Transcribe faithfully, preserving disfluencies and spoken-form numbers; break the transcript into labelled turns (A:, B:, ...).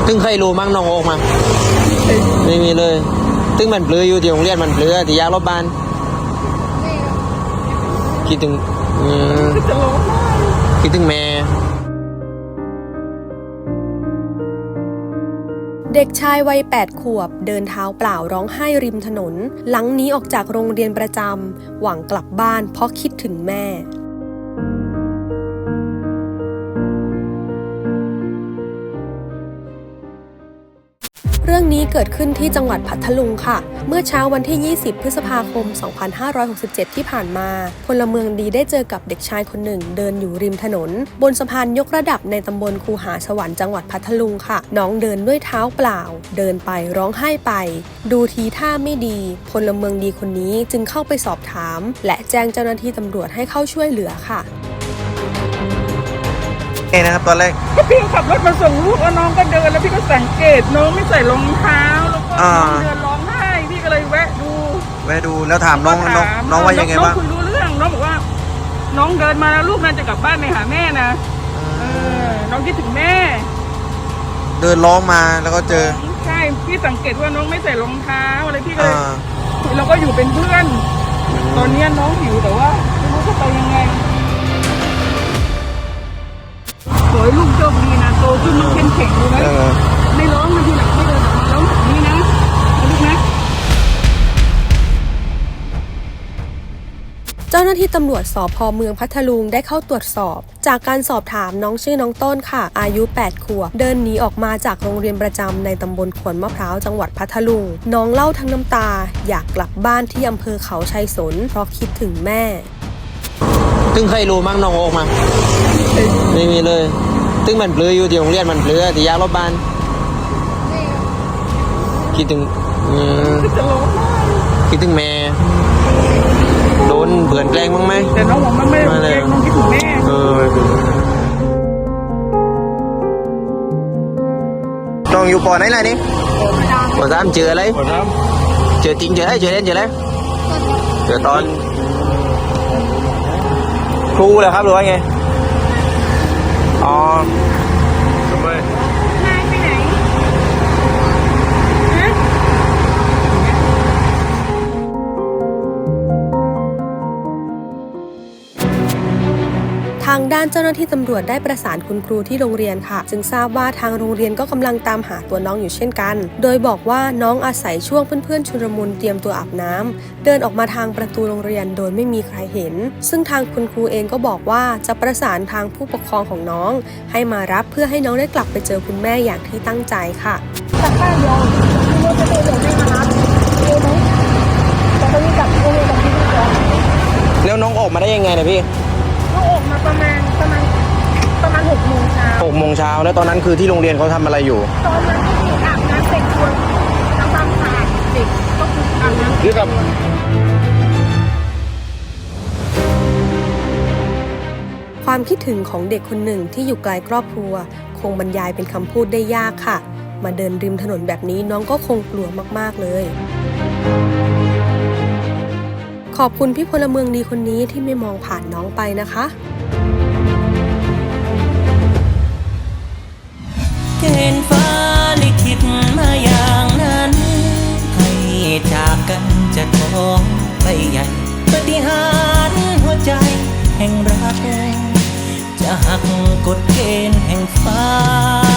A: ตึงเคยรู้มั้งน้องโอ๊กมาไม่มีเลยตึงมันเปลือยอยู่ที่โรงเรียนมันเปลือยที่ยากรบบ้านคิดถึงคิดถึงแม่
B: เด็กชายวัยแปดขวบเดินเท้าเปล่าร้องไห้ริมถนนหลังหนีออกจากโรงเรียนประจำหวังกลับบ้านเพราะคิดถึงแม่เรื่องนี้เกิดขึ้นที่จังหวัดพัทลุงค่ะเมื่อเช้าวันที่ยี่สิบพฤษภาคมสองพันห้าร้อยหกสิบเจ็ดที่ผ่านมาพลเมืองดีได้เจอกับเด็กชายคนหนึ่งเดินอยู่ริมถนนบนสะพานยกระดับในตำบลคูหาสวรรค์จังหวัดพัทลุงค่ะน้องเดินด้วยเท้าเปล่าเดินไปร้องไห้ไปดูทีท่าไม่ดีพลเมืองดีคนนี้จึงเข้าไปสอบถามและแจ้งเจ้าหน้าที่ตำรวจให้เข้าช่วยเหลือค่ะ
A: เองนะครับตอนแรก
C: ก็พี่ขับรถมาส่งลูกแล้วน้องก็เดินแล้วพี่ก็สังเกตน้องไม่ใส่รองเท้าแล้วก็น้องเดินร้องไห้พี่ก็เลยแวะดู
A: แวะดูแล้วถามน้องน้องน้องว่ายังไงบ้าง
C: น้องคุยรู้เรื่องน้องบอกว่าน้องเดินมาแล้วลูกน่าจะกลับบ้านไปหาแม่นะเออน้องคิดถึงแม่
A: เดินร้องมาแล้วก็เจอ
C: ใช่พี่สังเกตว่าน้องไม่ใส่รองเท้าอะไรพี่ก็เลยเราก็อยู่เป็นเพื่อนตอนนี้น้องหิวแต่ว่าไม่รู้จะไปยังไงขอให้ลูกโชคดีนะโตขึ้นลูกเข้มแข็งดูนะไม่ร้องนะทีหลังไม่เดินออกมาร้องแบบนี้นะลูกนะ
B: เจ้าหน้าที่ตำรวจสภ.เมืองพัทลุงได้เข้าตรวจสอบจากการสอบถามน้องชื่อน้องต้นค่ะอายุแปดขวบเดินหนีออกมาจากโรงเรียนประจำในตำบลขวนมะพร้าวจังหวัดพัทลุงน้องเล่าทั้งน้ำตาอยากกลับบ้านที่อำเภอเขาชัยสนเพราะคิดถึงแม่
A: ตึงเคยรู้มั้งน้องโอ๊กมาไม่มีเลยตึงมันเปลือยอยู่ที่โรงเรียนมันเปลือยที่ยากรบบ้านคิดถึงคิดถึงแม่โดนเบื่อแกล้งบ้างไหม
C: แต่น้องบอกมันไม่แกล้งน้องคิดถึงแม่
A: เออน้องอยู่ปอไหนล่ะนี่ปอสามเจออะไรเจอจริงเจออะไรเจอเล่นเจออะไรเจอตอนครูเหรอครับหรือว่าไงอ๋อทำไม
C: นายไปไหน
B: ทางด้านเจ้าหน้าที่ตำรวจได้ประสานคุณครูที่โรงเรียนค่ะจึงทราบว่าทางโรงเรียนก็กำลังตามหาตัวน้องอยู่เช่นกันโดยบอกว่าน้องอาศัยช่วงเพื่อนๆชุลมุนเตรียมตัวอาบน้ำเดินออกมาทางประตูโรงเรียนโดยไม่มีใครเห็นซึ่งทางคุณครูเองก็บอกว่าจะประสานทางผู้ปกครองของน้องให้มารับเพื่อให้น้องได้กลับไปเจอคุณแม่อย่างที่ตั้งใจค่ะ
D: แต่ป้าเดียวรถจะเดินไม่มารับเร็วไหมแต่ตอนนี้กลับโรงเรียนกับพี่ก่อน
A: แล้วน้องออกมาได้ยังไงนะพี่
D: น้องออกมาประมาณประมาณประมาณหกโมงเช้า
A: หกโมงเช้าแล้วตอนนั้นคือที่โรงเรียนเขาทำอะไรอยู่
D: ตอนนั้นที่อาบน้ำเสร็จควรทำความสะอาดเด็กก็คืออาบน้ำเสร็จ
B: ความคิดถึงของเด็กคนหนึ่งที่อยู่ไกลครอบครัวคงบรรยายเป็นคำพูดได้ยากค่ะมาเดินริมถนนแบบนี้น้องก็คงกลัวมากๆเลยขอบคุณพี่พลเมืองดีคนนี้ที่ไม่มองผ่านน้องไปนะคะ
E: เกณฑ์ฟ้าลิขิตมาอย่างนั้นให้จากกันจะท้องไปใหญ่ปฏิหารย์หัวใจแห่งรักจะหักกฎเกณฑ์แห่งฟ้า